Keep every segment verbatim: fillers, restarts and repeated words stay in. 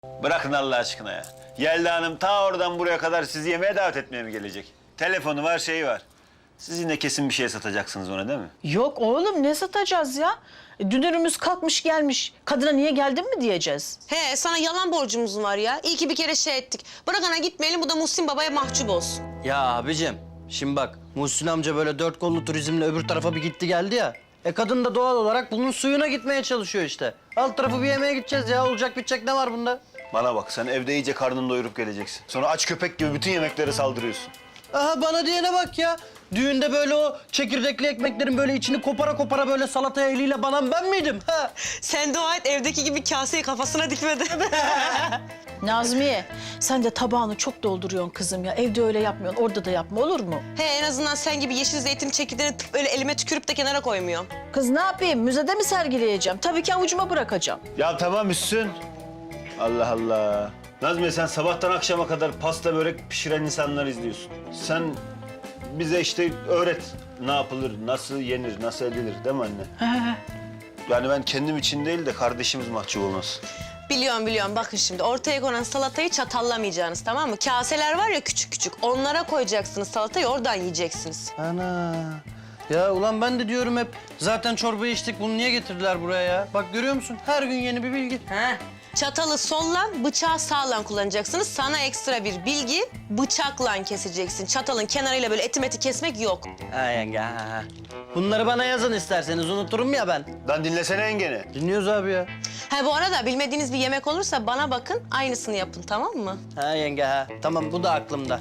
Bırakın Allah aşkına ya. Yelda Hanım ta oradan buraya kadar sizi yemeğe davet etmeye mi gelecek? Telefonu var, şeyi var. Siz yine kesin bir şey satacaksınız ona değil mi? Yok oğlum ne satacağız ya? E, Dünürümüz kalkmış gelmiş. Kadına niye geldin mi diyeceğiz? He, sana yalan borcumuz var ya. İyi ki bir kere şey ettik. Bırak ana gitmeyelim, bu da Muhsin Baba'ya mahcup olsun. Ya abicim, şimdi bak Muhsin amca böyle dört kollu turizmle öbür tarafa bir gitti geldi ya. E kadın da doğal olarak bunun suyuna gitmeye çalışıyor işte. Alt tarafı bir yemeğe gideceğiz ya. Olacak bitecek ne var bunda? Bana bak, sen evde iyice karnını doyurup geleceksin. Sonra aç köpek gibi bütün yemeklere saldırıyorsun. Aha bana diyene bak ya. Düğünde böyle o çekirdekli ekmeklerin böyle içini kopara kopara böyle salataya eliyle banan ben miydim? Ha? Sen dua et, evdeki gibi kaseyi kafasına dikmedi. Nazmiye sen de tabağını çok dolduruyorsun kızım ya. Evde öyle yapmıyorsun, orada da yapma olur mu? He, en azından sen gibi yeşil zeytin çekirdeğini tıp öyle elime tükürüp de kenara koymuyorum. Kız ne yapayım? Müzede mi sergileyeceğim? Tabii ki avucuma bırakacağım. Ya tamam Üssün. Allah Allah. Nazmiye, sen sabahtan akşama kadar pasta börek pişiren insanlar izliyorsun. Sen bize işte öğret ne yapılır, nasıl yenir, nasıl edilir değil mi anne? Yani ben kendim için değil de kardeşimiz mahcup olmasın. Biliyorum biliyorum, bakın şimdi ortaya konan salatayı çatallamayacaksınız, tamam mı? Kaseler var ya küçük küçük, onlara koyacaksınız salatayı, oradan yiyeceksiniz. Ana. Ya ulan ben de diyorum hep zaten çorbayı içtik bunu niye getirdiler buraya ya? Bak görüyor musun? Her gün yeni bir bilgi. He. Çatalı sollan, bıçağı sağlan kullanacaksınız. Sana ekstra bir bilgi, bıçakla keseceksin. Çatalın kenarıyla böyle eti meti kesmek yok. Ha yenge ha, ha. Bunları bana yazın isterseniz unuturum ya ben. Lan dinlesene yengeni. Dinliyoruz abi ya. Ha bu arada bilmediğiniz bir yemek olursa bana bakın, aynısını yapın, tamam mı? Ha yenge ha. Tamam bu da aklımda.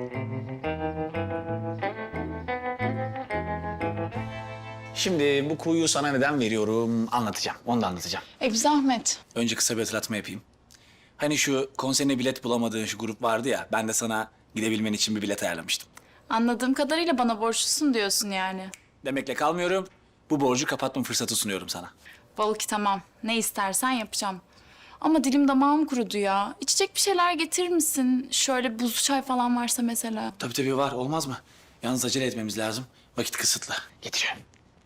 Şimdi bu kuyu sana neden veriyorum anlatacağım. Onu da anlatacağım. E bir zahmet. Önce kısa bir hatırlatma yapayım. Hani şu konserine bilet bulamadığın şu grup vardı ya, ben de sana gidebilmen için bir bilet ayarlamıştım. Anladığım kadarıyla bana borçlusun diyorsun yani. Demekle kalmıyorum. Bu borcu kapatma fırsatı sunuyorum sana. Balık tamam. Ne istersen yapacağım. Ama dilim damağım kurudu ya. İçecek bir şeyler getirir misin? Şöyle buzlu çay falan varsa mesela. Tabii tabii var, olmaz mı? Yalnız acele etmemiz lazım. Vakit kısıtlı. Getiriyorum.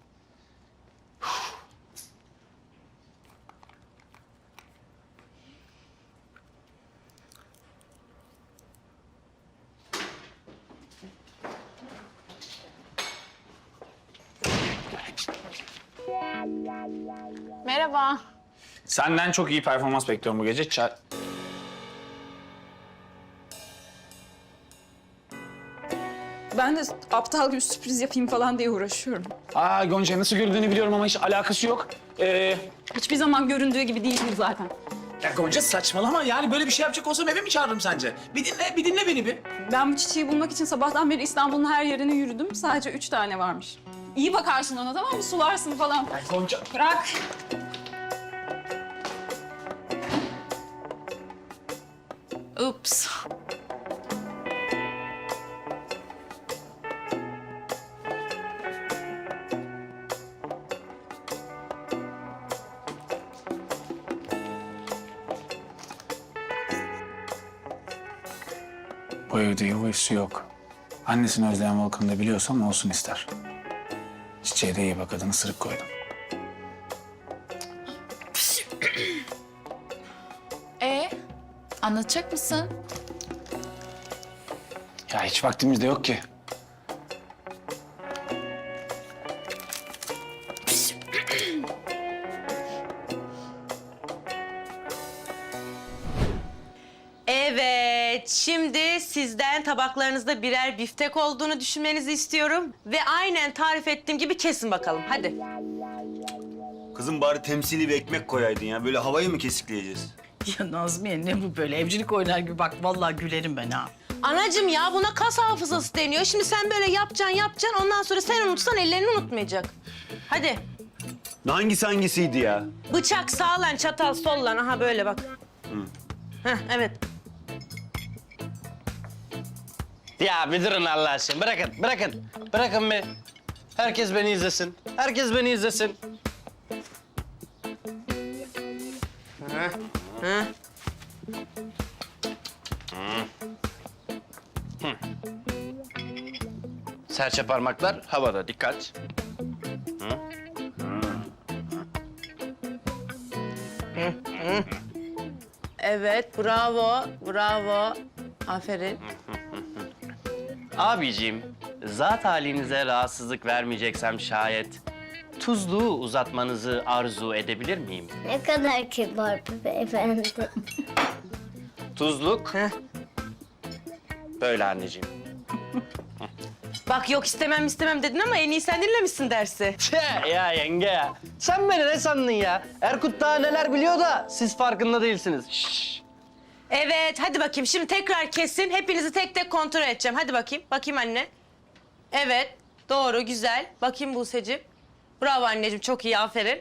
Merhaba. Senden çok iyi performans bekliyorum bu gece. Çay... Ben de aptal gibi sürpriz yapayım falan diye uğraşıyorum. Aa Gonca, nasıl görüldüğünü biliyorum ama hiç alakası yok. Ee, Hiçbir zaman göründüğü gibi değilim zaten. ya Gonca saçmalama, yani böyle bir şey yapacak olsam eve mi çağırırım sence? Bir dinle, bir dinle beni bir. Ben bu çiçeği bulmak için sabahtan beri İstanbul'un her yerine yürüdüm. Sadece üç tane varmış. İyi bakarsın ona, tamam mı? Sularsın falan. Ya Gonca... Bırak. Ups. Bu evde yuvası yok. Annesini özleyen Volkan'ı da biliyorsam olsun ister. Çiçeğe de iyi bak, adını sırık koydum. E anlatacak mısın? Ya hiç vaktimiz de yok ki. Evet, şimdi sizden tabaklarınızda birer biftek olduğunu düşünmenizi istiyorum. Ve aynen tarif ettiğim gibi kesin bakalım, hadi. Kızım bari temsili bir ekmek koyaydın ya. Böyle havayı mı kesikleyeceğiz? Ya Nazmiye ne bu böyle? Evcilik oynar gibi bak vallahi gülerim ben ha. Anacığım ya, buna kas hafızası deniyor. Şimdi sen böyle yapacaksın, yapacaksın. Ondan sonra sen unutsan ellerini unutmayacak. Hadi. Hangisi hangisiydi ya? Bıçak sağlan, çatal sollan. Aha böyle bak. Heh, evet. Ya bir durun Allah aşkına. Bırakın, bırakın. Bırakın bir. Herkes beni izlesin. Herkes beni izlesin. Heh. Serçe parmaklar havada. Dikkat. Evet, bravo, bravo. Aferin. Abiciğim, zat halinize rahatsızlık vermeyeceksem şayet tuzluğu uzatmanızı arzu edebilir miyim? Ne kadar kibar bir beyefendi. Tuzluk. Böyle anneciğim. Bak yok istemem istemem dedin ama en iyi sen dinlemişsin dersi. Tüh ya yenge ya. Sen beni ne sandın ya? Erkut daha neler biliyor da siz farkında değilsiniz. Şşş. Evet, hadi bakayım. Şimdi tekrar kesin. Hepinizi tek tek kontrol edeceğim. Hadi bakayım. Bakayım anne. Evet, doğru, güzel. Bakayım Buse'cim. Bravo anneciğim, çok iyi, aferin.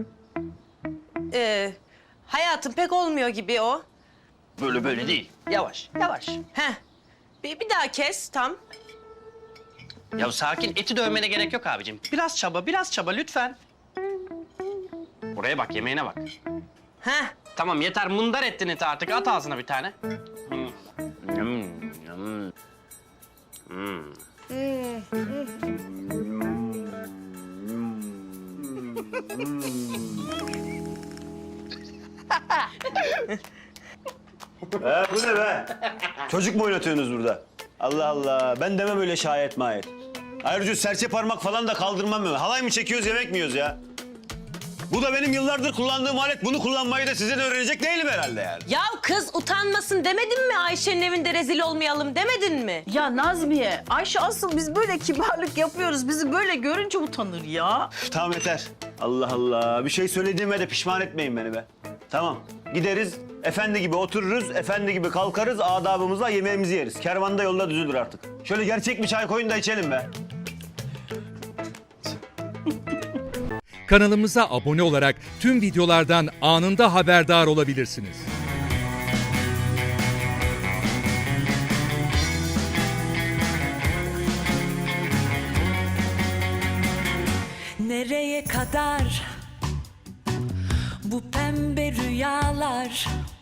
Ee, hayatım pek olmuyor gibi o. Böyle böyle değil. Yavaş, yavaş. Heh. Bir, bir daha kes, tam. Ya sakin, eti dövmene gerek yok abicim. Biraz çaba, biraz çaba lütfen. Buraya bak, yemeğine bak. Heh. Tamam yeter, mundar ettin eti artık. At ağzına bir tane. Hmm. Hmm, hmm. Hmm. He, bu ne be? Çocuk mu oynatıyorsunuz burada? Allah Allah. Ben demem öyle şayet mayet. Ayrıca serçe parmak falan da kaldırmam ben. Halay mı çekiyoruz, yemek mi yiyoruz ya? Bu da benim yıllardır kullandığım alet. Bunu kullanmayı da size de öğrenecek değilim herhalde yani. Ya kız utanmasın demedin mi? Ayşe'nin evinde rezil olmayalım demedin mi? Ya Nazmiye, Ayşe asıl biz böyle kibarlık yapıyoruz. Bizi böyle görünce utanır ya. Üf, tamam yeter. Allah Allah. Bir şey söylediğime de pişman etmeyin beni be. Tamam. Gideriz, efendi gibi otururuz, efendi gibi kalkarız, adabımızla yemeğimizi yeriz. Kervan da yolda düzülür artık. Şöyle gerçek bir çay koyun da içelim be. Kanalımıza abone olarak tüm videolardan anında haberdar olabilirsiniz. Nereye kadar bu pembe rüyalar,